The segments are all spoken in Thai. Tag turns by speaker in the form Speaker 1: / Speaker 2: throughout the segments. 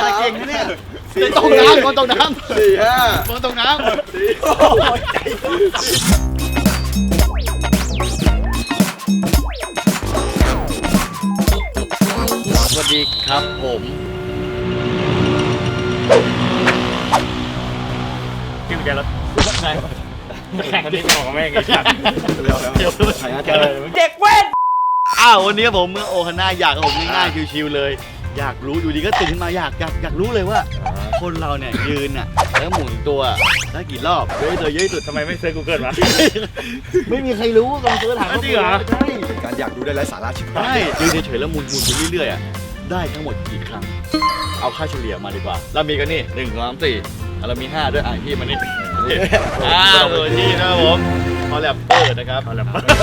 Speaker 1: เก่งนะเนี่ยตกน้ำคนตกน้ำ4 5คนตกน้ำสวัสดีครับผม
Speaker 2: ที่มันจะรถไงแข่งกันที่ของแม่งไงครับเด็กเว้น
Speaker 1: วันนี้ผมเมื่อโอฮาน่าอยากผมง่ายๆชิวๆเลยอยากรู้อยู่ดีก็ตื่นขึ้นมาอยากรู้เลยว่าคนเราเนี่ยยืนน่ะแล้วหมุนตัวได้กี่รอบเยอะเลยเยอะสุด
Speaker 2: ทำไมไม่เซิร์ช Google วะ
Speaker 1: ไม่มีใครรู้ลองเสิร์ชถาม
Speaker 2: จริงเหรอ
Speaker 1: ใช่
Speaker 3: การอยากดูได้ไร้สาระชิบหาย
Speaker 1: ใช่ยืนเฉยๆแล้วหมุนไปเรื่อยๆได้ทั้งหมดกี่ครั้งเอาค่าเฉลี่ยมาดีกว่าเรามีกันนี่1 2 3 4เรามี5ด้วยพี่มานี่ตัวที่นะครับผมคอลแลปเปอร์นะครับคอลแลปเปอร์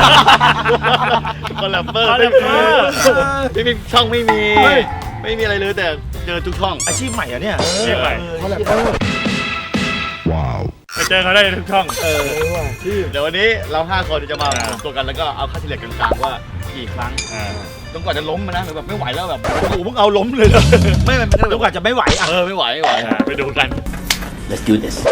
Speaker 1: พี่ช่องไม่มีอะไรเลยแต่เจอทุกช่อง
Speaker 3: อาชีพใหม่อะเนี่ย
Speaker 2: เรียกใหม่
Speaker 3: เขาแหละว้าว
Speaker 2: ไปเจอเขาได้ทุกช่อง
Speaker 1: เดี๋ยววันนี้เรา5 คนจะมาตัวกันแล้วก็เอาค่าเฉลี่ยกลางๆว่ากี่ครั้งจนกว่าจะล้มมานะแบบไม่ไหวแล้วแบบโอ้โหเพิ่งเอาล้มเลยไม่
Speaker 3: จนกว่าจะไม่ไหว
Speaker 1: ไม่ไหว
Speaker 2: ไปดูกัน
Speaker 4: Let's do this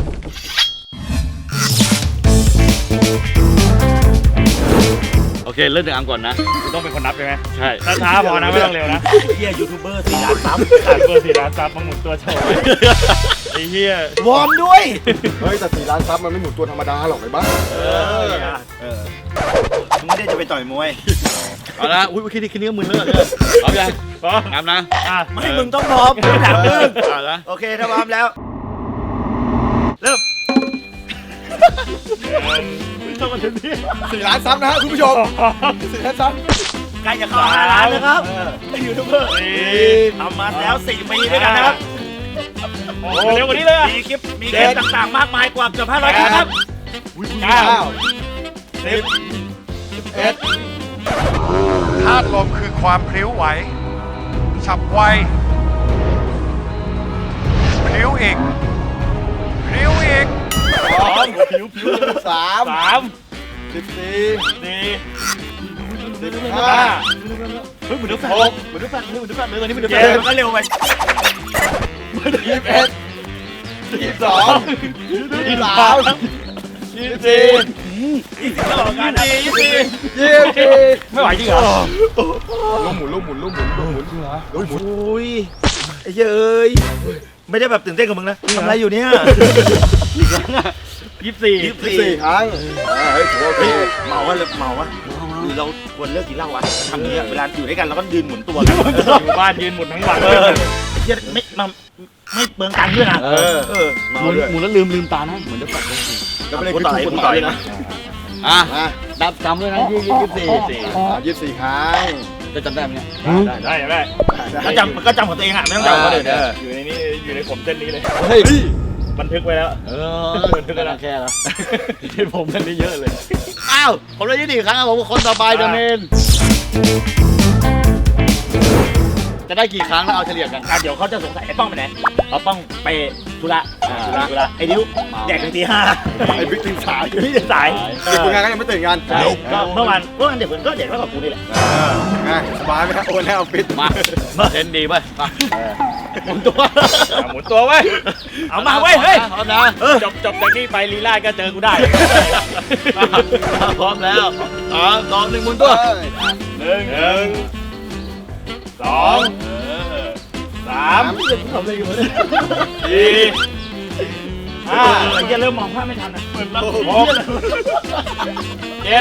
Speaker 1: โอเคเริ่มจากอังก่อนนะ
Speaker 2: คุณต้องเป็นคนนับใช่ไหม
Speaker 1: ใช่
Speaker 2: ถ้าช้าพอนะไม่ต้องเร็วนะ
Speaker 3: เฮียยูทูบเบอร์4 ล้านซับ
Speaker 2: เบอร์4 ล้านซับมาหมุนตัวโชว์ไอ้เหี้ยว
Speaker 3: อร์มด้วย
Speaker 5: เฮ้ยแต่4 ล้านซับมันไม่หมุนตัวธรรมดาหรอกไอ้บ้า
Speaker 3: มึงไม่ได้จะไปต่อยมวย
Speaker 1: เอาละอุ้ยคิดนี้ก็มึนแล้วเอายังงามนะ
Speaker 3: ไม่มึงต้องพร้อมถามมึง
Speaker 1: โอ
Speaker 3: เคถ้าพร้อมแล้วเริ่ม
Speaker 2: ต้องมาถึงที่
Speaker 5: 4 ล้านซับนะฮะคุณผู้ชม4 ล้านซับ
Speaker 3: ใกล้จะเข้า5 ล้านแล้วครับยูทูบเบอร์ทำมาแล้ว4 ปีด้วยกันนะครับ
Speaker 2: โอ้เร็วกว่านี้เลย
Speaker 3: มีคลิปต่างๆมากมายกว่าเกือบ500คลิปครับ
Speaker 5: 9 10 11
Speaker 6: ธาตุลมคือความพลิ้วไหวฉับไวพลิ้วอีกพลิ้วอีก
Speaker 5: 3 14
Speaker 2: 4
Speaker 5: 15
Speaker 1: เฮ้ยเหมือนเดือดแฟนเลยวันนี้เหมือนเดือดแฟน
Speaker 3: ก็เร็วไป
Speaker 5: 21 22 23 24
Speaker 3: ตลอดงานนะ
Speaker 5: 24
Speaker 1: ไม่ไหวจริงเหรอ
Speaker 5: ลูกหมุน
Speaker 3: อุ้ยไอ้เอ้ยไม่ได้แบบตื่นเต้นกับมึงนะทำอะไรอยู่เนี่ย
Speaker 2: 24
Speaker 5: ครั้งเฮ้ยโอเค
Speaker 3: เมาวะเราควรเลิกกินเหล้าวะทำอย่างนี้เวลาอยู่ด้วยกันเราก็ยืนหมุนตัวกัน
Speaker 2: อยู่บ้านยืนหมุนทั้งวัน
Speaker 3: ไม่เปลืองตังค์ด้วยนะ
Speaker 1: หมุนแล้วลืมตานะเหมือนเดือดแฟน
Speaker 5: แล้วไม่ได้คือถูกกฎหมายนะ
Speaker 1: นับจำด้วยนะ
Speaker 5: 24 ครั้ง
Speaker 1: จะจำได้ไหมเนี่ย
Speaker 2: ได้
Speaker 3: ก็จำของตัวเองอ่ะไม่ต้องจำคนอื่น
Speaker 2: อยู่ในนี้อยู่ในผมเส้นนี้เลย
Speaker 1: เฮ้ย
Speaker 2: บันทึกไว้แล้ว
Speaker 1: บันทึกแล้วแค่แล้วที่ผมเส้นนี้เยอะเลยผมได้24 ครั้งครับผมคนต่อไปเดอะเมนจะได้กี่ครั้งแล้วเอาเฉลี่ยกัน
Speaker 3: เดี๋ยวเขาจะสงสัยไอ้ป้องไปไหนเอาป้องไปธุระไอ้ดิวแดกถึงตี 5
Speaker 5: ไอ้บิ๊กตื่นสาย
Speaker 3: พี่ตื่นสาย
Speaker 5: เด็กคนงานก็ยังไม่ตื่นกัน
Speaker 3: ก็เมื่อวานเด็กก็เด็กแล้วกับกูนี่แหละ
Speaker 5: สบายไหมครับโอนให้เอาฟิต
Speaker 1: มาเล่นดีป่ะหมุนตัว
Speaker 2: ไว้
Speaker 3: เอามาไว้เฮ้ย
Speaker 1: พร้อมนะ
Speaker 2: จบจากนี้ไปลีลาก็เจอกูได้
Speaker 1: พร้อมแล้ว2 1หมุนตัว
Speaker 2: 1 2 3 4 5
Speaker 3: อย่าเริ่มมองภาพไม่ทันนะ
Speaker 2: 6 7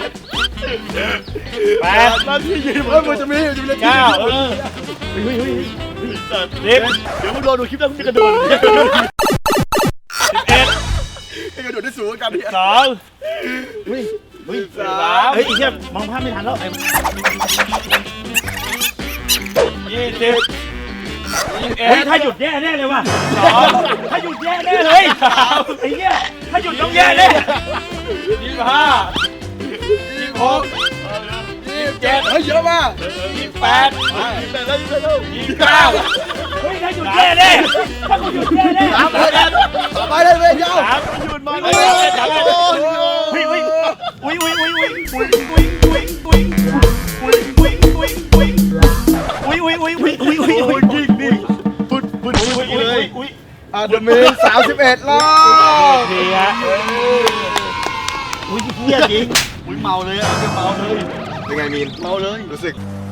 Speaker 2: 8
Speaker 5: มันที่ยืนมันจะมี
Speaker 2: 9 10
Speaker 1: เดี๋ยวมึงรอดูคลิปแล้วมึงจะกระโดด
Speaker 2: 11
Speaker 5: ให้กระโดดได้สูงกันเนี่ย
Speaker 2: 2
Speaker 3: 3เฮ้ยไอ้เหี้ยมองภาพไม่ทันแล้ว
Speaker 2: 20
Speaker 3: ถ้าหยุดแย่แน่เลยว่ะถ้าหยุดแย่แน่เลยไอ้เหี้ยถ้าหยุดต้องแย่แน่
Speaker 2: 25 26 27
Speaker 5: เฮ้ยเยอะมาก
Speaker 2: 28 29
Speaker 3: เฮ้ยถ้าหยุดแย่แน่ถ้ากูหยุดแย่แน่
Speaker 5: ไปเลยเว้ยยาว
Speaker 2: หยุดมา
Speaker 3: อุ้ย
Speaker 5: จะมี31 รอบ
Speaker 3: ดีฮะอุ้ยเฮียจริง
Speaker 1: อุ้ยเมาเลยอ่ะเมาเลย
Speaker 5: เป็นไงมีน
Speaker 1: เมาเลย
Speaker 5: รู้สึก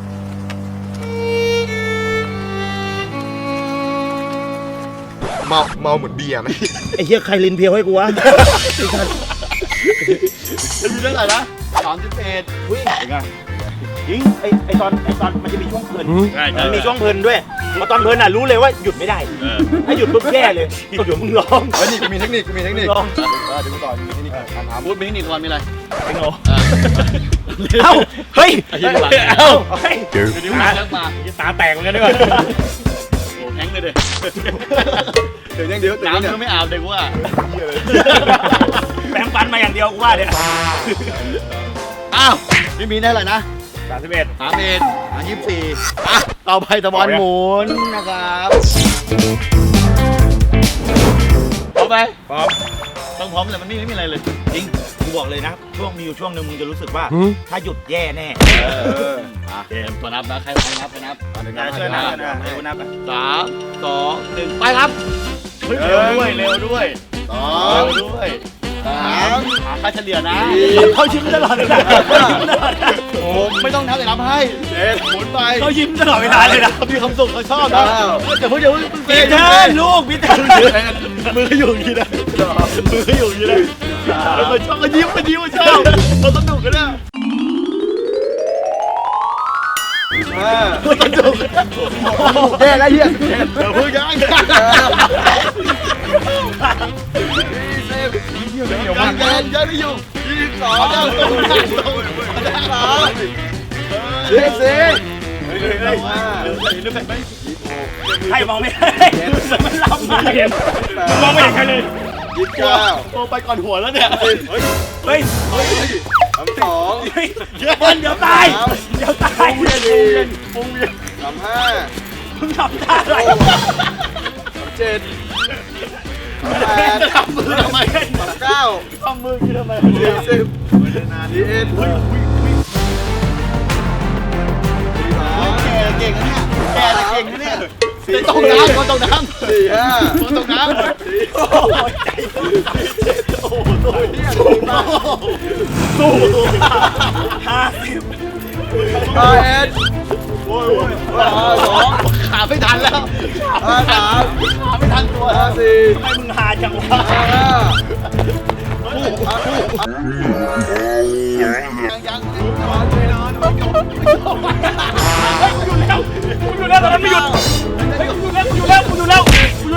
Speaker 5: เมาเหมือนเบียร์ไหม
Speaker 3: ไอ้เฮียใครลินเพียวให้กูวะ
Speaker 1: จะมีเท่าไหร่นะ31
Speaker 3: อุ้ยจริงไอตอนมันจะมีช่วงเพลิน
Speaker 2: ใช่
Speaker 3: มันมีช่วงเพลินด้วยพอตอนเพลินอ่ะรู้เลยว่าหยุดไม่ได้ถ้าหยุดปุ๊บแย่เลยเดี๋ยวมึงร้อง
Speaker 5: เฮ้ยนี่กูมีเทคนิค
Speaker 3: ลอง
Speaker 5: เดี๋ยวกูต่อมีเทคนิคการทำ
Speaker 1: พูดไปนี่ก่อนมีอะไร
Speaker 3: ไอ้โง่เอ้าเฮ้ย
Speaker 1: ไอ้ที่หลัง
Speaker 3: เอ้าเฮ้ย
Speaker 1: เดี๋ยวนี้มาแล้วมา
Speaker 2: ตาแตกเหมือนกันด้วย
Speaker 1: โอ้แข็งเลยเด้
Speaker 5: เดี๋ยวยังเดี๋ยว
Speaker 1: น้ำ
Speaker 5: เนี่ย
Speaker 1: ก็ไม่อาบเด็กว่า
Speaker 3: แปรงฟันมาอย่างเดียวกูว่าเนี่ย
Speaker 1: อ้าวพี่มีได้อะไรนะ
Speaker 2: 31
Speaker 1: 31 24อ่ะต่อไปตะบอลหมุนนะครับพร้อมไหม
Speaker 2: พร้อม
Speaker 1: ต้องพร้อมเลยมันไม่มีอะไรเลย
Speaker 3: จริงกูบอกเลยนะมีอยู่ช่วงหนึงมึงจะรู้สึกว่า ถ้าหยุดแย่แน่
Speaker 1: อ่ะเกมตัวนับนะใครนับไปนับ
Speaker 3: ช่วยนับนะให้กูนับอ่ะ
Speaker 1: 3 2 1ไปครับเฮ้ยเร็วด้วย2เร็วด้วย3หาค่าเฉลี่ยนะ
Speaker 3: เขายิ้มตลอดเลยนะ
Speaker 1: โอ้ไม่ต้องนับแต่นับให้หมุนไป
Speaker 3: เขายิ้มตลอดเวลาเลยนะ
Speaker 1: มีความสุขเขาชอบนะแต่พวกเดี๋ยวมึง
Speaker 3: พีเตอร์ลูกพีเตอร์
Speaker 1: มืออยู่อย่างนี้นะมืออยู่อย่างนี้นะมันชอบมันยิ้มชอบเราสนุกกันนะ สนุก
Speaker 5: แย่แล้วเฮีย
Speaker 1: เดี๋ยวพึ่งยังยังเกินเยอะไม่อยู่22แล้ว
Speaker 5: 24
Speaker 3: ใครมองไม่ได้มันล้ำมา
Speaker 2: ไม่เห็นมึงมองไม่เห็นใครเลย
Speaker 5: 29
Speaker 1: โตไปก่อนหัวแล้วเนี่ย
Speaker 3: เฮ้ย
Speaker 5: 32
Speaker 3: เดี๋ยวตายเดี๋ยวตาย
Speaker 1: ปุ้งเวียน
Speaker 5: 35
Speaker 3: มึงทำท่าอะไร
Speaker 5: 37
Speaker 1: จะทำมือทำไม
Speaker 5: 39
Speaker 1: ทำมือพี่ทำไม
Speaker 5: 41
Speaker 1: เก่งนะเนี่ยแกเก่งนะเนี่ยตกน้ำคนตกน้ำ
Speaker 5: 45
Speaker 1: คนตกน้ำโอ้โหสู้
Speaker 3: 50
Speaker 5: 51
Speaker 1: โอ้ยขาไม่ทันแล้วขาไม่ทันตัว
Speaker 5: 54
Speaker 3: ทำไมมึงหาจังวะ
Speaker 1: ยัง
Speaker 3: กูอยู่แล้วตอนนั้นไม่หยุดกูอยู่แล้วอยู่แล้ว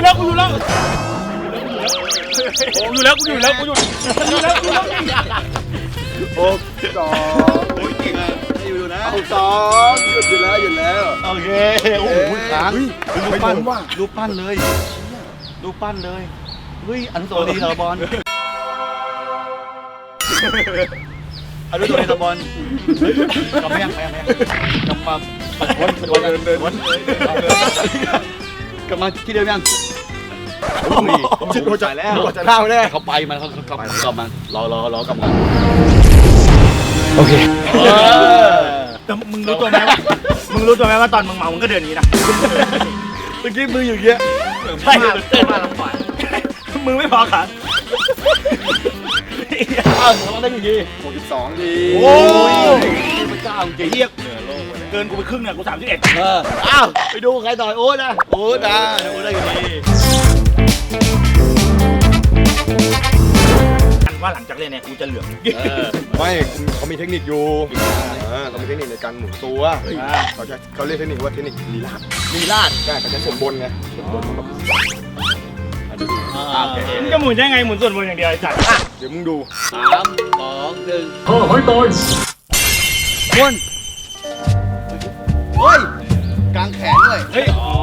Speaker 5: 62
Speaker 1: โอ้ยเก่งอ่ะอยู่นะ
Speaker 5: 62หยุดอยู่แล้ว
Speaker 1: โอเคโอ้โหค้างรูปปั้นรูปปั้นเลยเฮ้ยอนุสาวรีย์เหรอบอลอนุสาวรีย์เหรอบอลกลับมายังกลับมาวนกลับมาที่เดิมยังชิดหัวใจแล้ว
Speaker 5: จะเล่าแน่
Speaker 1: เขาไปมันเขากลับมารอกลับมา
Speaker 3: โอเคแต่มึงรู้ตัวไหมว่าตอนมึงเมามึงก็เดินอย่างนี้นะ
Speaker 1: เมื่อกี้มืออยู่เงี้ย
Speaker 3: ใช่มาลำบากมึงไม่พอขา
Speaker 1: อ้าวเราได้กี่ที
Speaker 5: 62 ดี
Speaker 1: โอ้ยพระเจ้าเก่ง
Speaker 3: เฮียเกินกูไปครึ่งเนี่ยกู31
Speaker 1: อ้าวไปดูใครต่อยโอ๊ตนะโอ๊ตได้กี่ที
Speaker 3: ว่าหลังจากเล่นเนี่ยกูจะเหลือง
Speaker 5: ไม่เขามีเทคนิคอยู่เขามีเทคนิคในการหมุนตัวเขาเรียกเทคนิคว่าเทคนิคลีลาด
Speaker 1: ลีลาด
Speaker 5: ใช่เขาใช้ส่วนบนไงส่วนบนแบบ
Speaker 2: มึงจะหมุนได้ไงหมุนส่วนบนอย่างเดียวไอ้สัตว์
Speaker 5: เดี๋ยวมึงดู
Speaker 1: 3 2 1วนเฮ้ยกางแขนด้วย
Speaker 2: เฮ้ย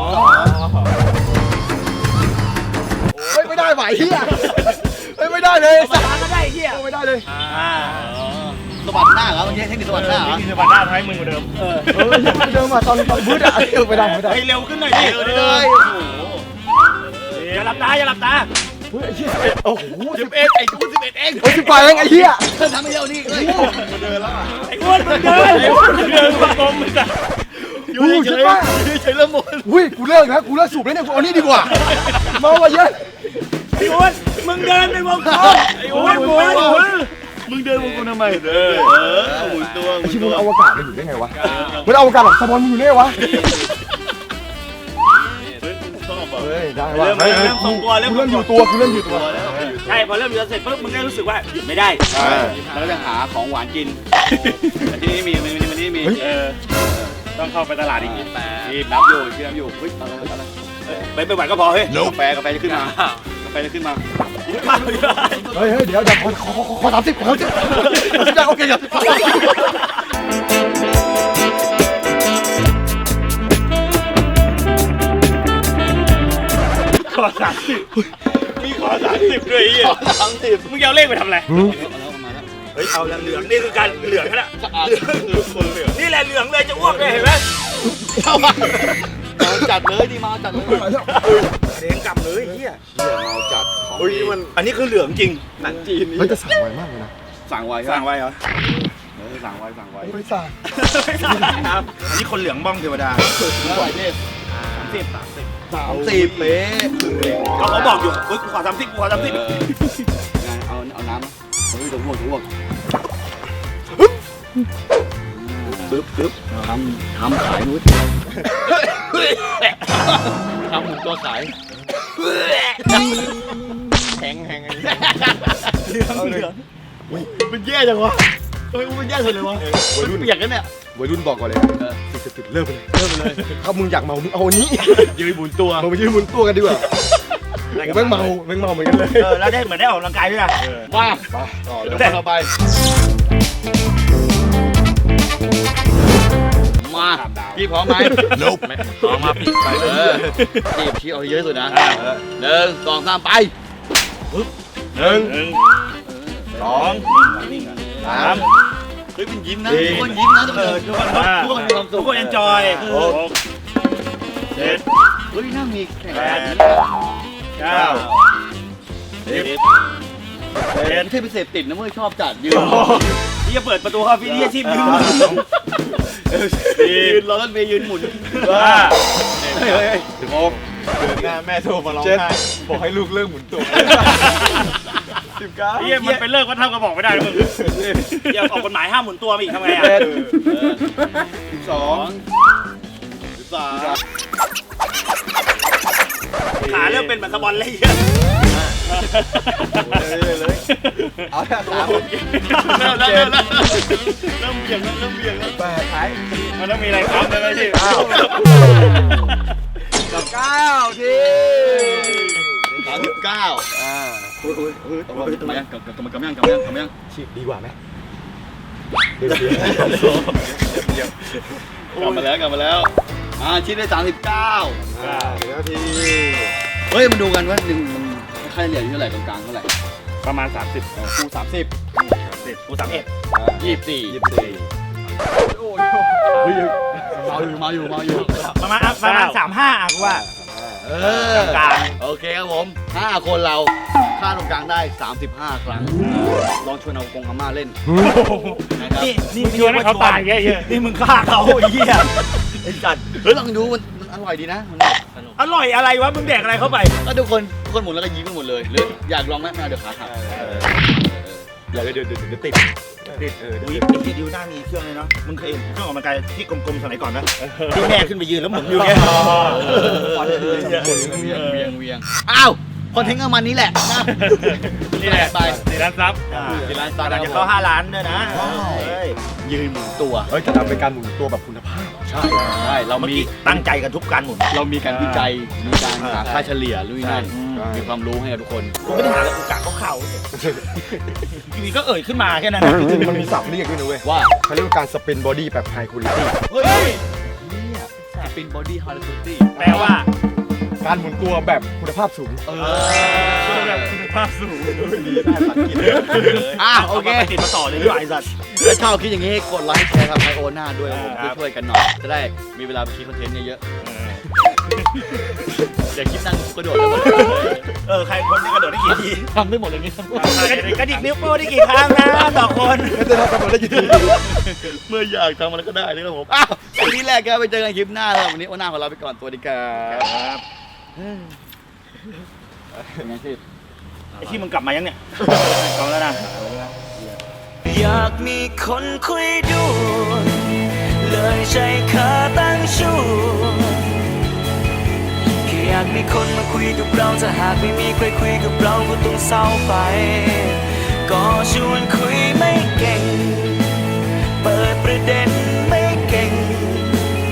Speaker 5: เฮ้ยไม่ได้ไหวเฮียเฮ้ยไม่ได้เลย
Speaker 3: สาก็ได้เฮีย
Speaker 5: ไม่ได้เลย
Speaker 1: สะบัดหน้าเหรอเมื่อกี้เทคนิคสะบัดหน้าเหรอ
Speaker 2: นี่คือบัตรหน้าท้ายมึงกว่าเดิม
Speaker 5: เดิมมาตอนบูธอะไม่ได้
Speaker 3: ให้เร็วขึ้นหน่อยดิ
Speaker 1: เลยโอ้โห
Speaker 3: อย่าหลับตา
Speaker 5: เฮ้ยไอ้เหี้ย11โอ้โห
Speaker 1: 11ไอ้กู11เอง
Speaker 5: โอ้ย18เองไอ้เหี้ย
Speaker 1: ทำไม่เร็วนี่เลย
Speaker 3: ไอ้อ้วนมึงเดิน
Speaker 2: เดินกลมมึงอะ
Speaker 1: อยู่เฉยๆเริ่มหมด
Speaker 5: อุ้ยกูเลิกนะกูเลิกสูบแล้วเนี่ยกูเอานี่ดีกว่าเมามาเยอะ
Speaker 3: ไอ้อ้วนมึงเดินไปวงกลมไอ้อ้วนหมุน
Speaker 1: มึงเดินวงกลมทำไมหมุนตัว
Speaker 5: ไอ้ชิบุอวกาศมันอยู่ได้ไงวะมันอวกาศแบบสปอนมันอยู่ได้ไงวะ
Speaker 1: ชอบอ่ะ
Speaker 5: เฮ้ยได้ว่ะ
Speaker 3: เริ่มทรงตัวเริ่ม
Speaker 5: กูเริ่มอยู่ตัวกูเริ่มอยู่ตัว
Speaker 3: ใช่พอเริ่มเดินเสร็จปุ๊บมึงก็รู้สึกว่าหยุดไม่ได้
Speaker 1: แล้วก็จะหาของหวานกินแต่ที่นี่มีมันนี่มี
Speaker 2: ต้องเข้าไปตลาดอีก
Speaker 1: มีนับอยู่ชื่อนับอยู่เฮ้ยอะไร
Speaker 3: ไปหวานก็พอเฮ้ย
Speaker 1: กาแฟจะขึ้นมากาแฟจะขึ้นมา
Speaker 5: เฮ้ยเดี๋ยวขอ30ได้โอเคครับ
Speaker 2: ขอ30มีขอ30ด้วยไอ้เหี้ย
Speaker 1: 30
Speaker 2: มึงจะเอาเลขไปทำอะไร
Speaker 3: เฮ้ยเอาละเหลืองนี่คือการเหลืองแล้วนี่แหละเหลืองเลยจะอ้วกเลยเห็นไหม
Speaker 1: เมาจัดเลยดิเมาจัดเลย
Speaker 3: เด้งกำเลยเฮีย
Speaker 1: เมาจัด
Speaker 5: เฮ้ยมัน
Speaker 3: อันนี้คือเหลืองจริง
Speaker 1: หนังจีน
Speaker 5: มันจะสั่งไวมากเลยนะ
Speaker 1: สั่งไว้
Speaker 3: สั่งไว้เหรอ
Speaker 1: สั่งไว้
Speaker 5: ไม่สั่ง
Speaker 3: ครับอันนี้คนเหลืองบ้องเทวดา
Speaker 1: แล้วอะไรเนี่ย
Speaker 5: 30เป๊ะ
Speaker 3: เขาบอกอยู่เฮ้ยกูขอ30กูขอ30
Speaker 1: เอาน้ำเฮ้ยถูกอ้วกปึ๊บทำขายนู้นทำหมูตัวขายแข็งเหลืองมันแย่จังวะทำไมมันแย่สุดเลยวะมันเปียกกันเนี่ย
Speaker 5: วัยรุ่นบอกก่อนเลยสิ่งศักดิ์สิทธิ์เลิกไปเลยถ้ามึงอยากเมามึงเอาอันนี้
Speaker 1: ยืนหมุนตัว
Speaker 5: เราไปยืนบนตัวกันดีกว่าแม่งเมาเหมือนกันเลย
Speaker 3: แล้วได้เหมือนได้ออกกำลังกายด้วยนะ
Speaker 1: มาต่อเลยต่อไปมาพี่พร้อมไหมพร้อมมาพี่ไปจีบชี้เอาเยอะสุดนะ1 2 3ไป
Speaker 5: 1 2 3
Speaker 1: เฮ้ยเป็นยิ้มนะทุกคนยิ้มนะทุกคนทุกคนมีความสุ
Speaker 3: ทุ
Speaker 1: ข
Speaker 3: กคนเอนจอย
Speaker 2: 6 7
Speaker 1: เฮ้ยน่ามีแข่ง
Speaker 2: 9
Speaker 1: เป็นที่พิเศษติดนะเมื่อชอบจัดยืน
Speaker 3: ที่จะเปิดประตูเข้าพี่ที่อาชีพยืน
Speaker 1: ยืนรอรถเมย์ยืนหมุน
Speaker 5: ถึง6
Speaker 2: แม่โทรมาร้องไห้บอกให้ลูกเลิกหมุนตัว
Speaker 5: 19
Speaker 2: เฮียมันเป็นเลิกว่าเท่ากับบอกไม่ได้มึง
Speaker 3: อย่าออกกฎหมายห้ามหมุนตัวมาอีกทำไงอ่ะ ขาเริ่มเป็นเหมือนสปอนเลยเหี้ย
Speaker 5: เอาแค่3
Speaker 1: เริ่มเบี่ยงแล้ว
Speaker 5: 8ขาย
Speaker 2: มันต้องมีอะไรครับเลยพี่
Speaker 5: 9ที
Speaker 1: 39มายังกำยัง
Speaker 5: ฉีดดีกว่าไหม
Speaker 1: กลับมาแล้วชิ้นได้39
Speaker 5: นาที
Speaker 1: เฮ้ยมาดูกันว่า1มันค่าเฉลี่ยอยู่เท่าไหร่ตรงกลางเท่าไหร่
Speaker 2: ประมาณ 30
Speaker 1: กู30
Speaker 3: กู31
Speaker 1: 24เมาอยู่
Speaker 3: ประมาณ35อ่ะกูว่า กลาง
Speaker 1: โอเคครับผม5คนเราค่าตรงกลางได้35 ครั้งลองชวนเอากงอาม่าเล่นนะครับ
Speaker 3: นี่
Speaker 2: มึงชวนให้เขาตายแค่เหี้ย
Speaker 3: นี่มึงฆ่าเขาไอ้เหี้ยไอ้สัตว์
Speaker 1: เฮ้ยลองดูมันอร่อยดีนะมันสนุก
Speaker 3: อร่อยอะไรวะมึงแดกอะไรเข้าไป
Speaker 1: ก็ทุกคนหมุนแล้วก็ยิ้มกันหมดเลยหรืออยากลองไหมเดี๋ยวขาหัก
Speaker 5: เดี๋ยวติด
Speaker 3: อุ้ยไอ้ที่ดิวหน้ามีเครื่องเลยเนาะมึงเคยเห็นเครื่องออกกำลังกายที่กลมๆสมัยก่อนไหมที่แม่ขึ้นไปยืนแล้วหมุนอยู่เนี่ย
Speaker 1: เวียงอ้าวคอนเทนต์ก็มันนี้แหละ
Speaker 2: นี่แหละ
Speaker 1: ไป
Speaker 2: 4 ล้านซับ
Speaker 1: ที่ร้านซา
Speaker 3: เราจะเข้า5 ล้านด้วยนะเฮ้ย
Speaker 1: ยืนหมุนตัว
Speaker 5: เฮ้ยจะทำเป็นการหมุนตัวแบบคุณภาพ
Speaker 1: ใช่เรา
Speaker 3: เมื่อ
Speaker 1: มี
Speaker 3: กี้ตั้งใจกันทุกการหมุน
Speaker 1: เรามีการวิจัยมีการหาค่าเฉลี่ยลุยนั่น
Speaker 5: ใช่
Speaker 1: มีความรู้ให้กับทุกคน
Speaker 3: กูไม่ได้หาอะไรกูกะเขาทีนี้ก็เอ่ยขึ้นมาแค่นั้น
Speaker 5: จริงๆมันมีศัพท์เรียกด้วยนะเว้ย
Speaker 1: ว่า
Speaker 5: เขาเรียกว่าการสปินบอดี้แบบไฮคุณภาพ
Speaker 1: เฮ้ยเนี่ยเป็นบอดี้ฮาร์ดตี้
Speaker 3: แปลว่า
Speaker 5: การหมุนตัวแบบคุณภาพสูง
Speaker 2: แบบคุณภาพสูง
Speaker 1: โอเค
Speaker 3: าไปติดมาต่อเลยด้วยไอ้สัตว์
Speaker 1: ถ้าชอบคิดอย่างนี้กดไลค์แชร์ทำไอโอหน้าด้วยครับผมช่วยๆกันหน่อยจะได้มีเวลาไปคิดคอนเทนต์เยอะๆอย่าคิดนั่งกระโดดแล้วหมด
Speaker 3: ใครคนจะกระโดดได้กี่ที
Speaker 1: ทำได้หมดเลยนี่
Speaker 3: กระดิกนิ้วโป้งได้กี่ครั้งนะต่อคน
Speaker 5: จะทำกันหมดได้กี่ที
Speaker 1: เมื่ออยากทำอะไรก็ได้นะครับผมวันนี้แรกครับไปเจอกันคลิปหน้าแล้ววันนี้โอหน้าของเราไปก่อนสวัสดีครับเป็นไงพี่
Speaker 3: ไอ้ที่มึงกลับมายังเนี่ยกลับมาแล้วนะ
Speaker 4: อยากมีคนคุยด้วยเลยใช้ขาตั้งชูแค่อยากมีคนมาคุยกับเราถ้าหากไม่มีใครคุยกับเราก็ต้องเศร้าไปก็ชวนคุยไม่เก่ง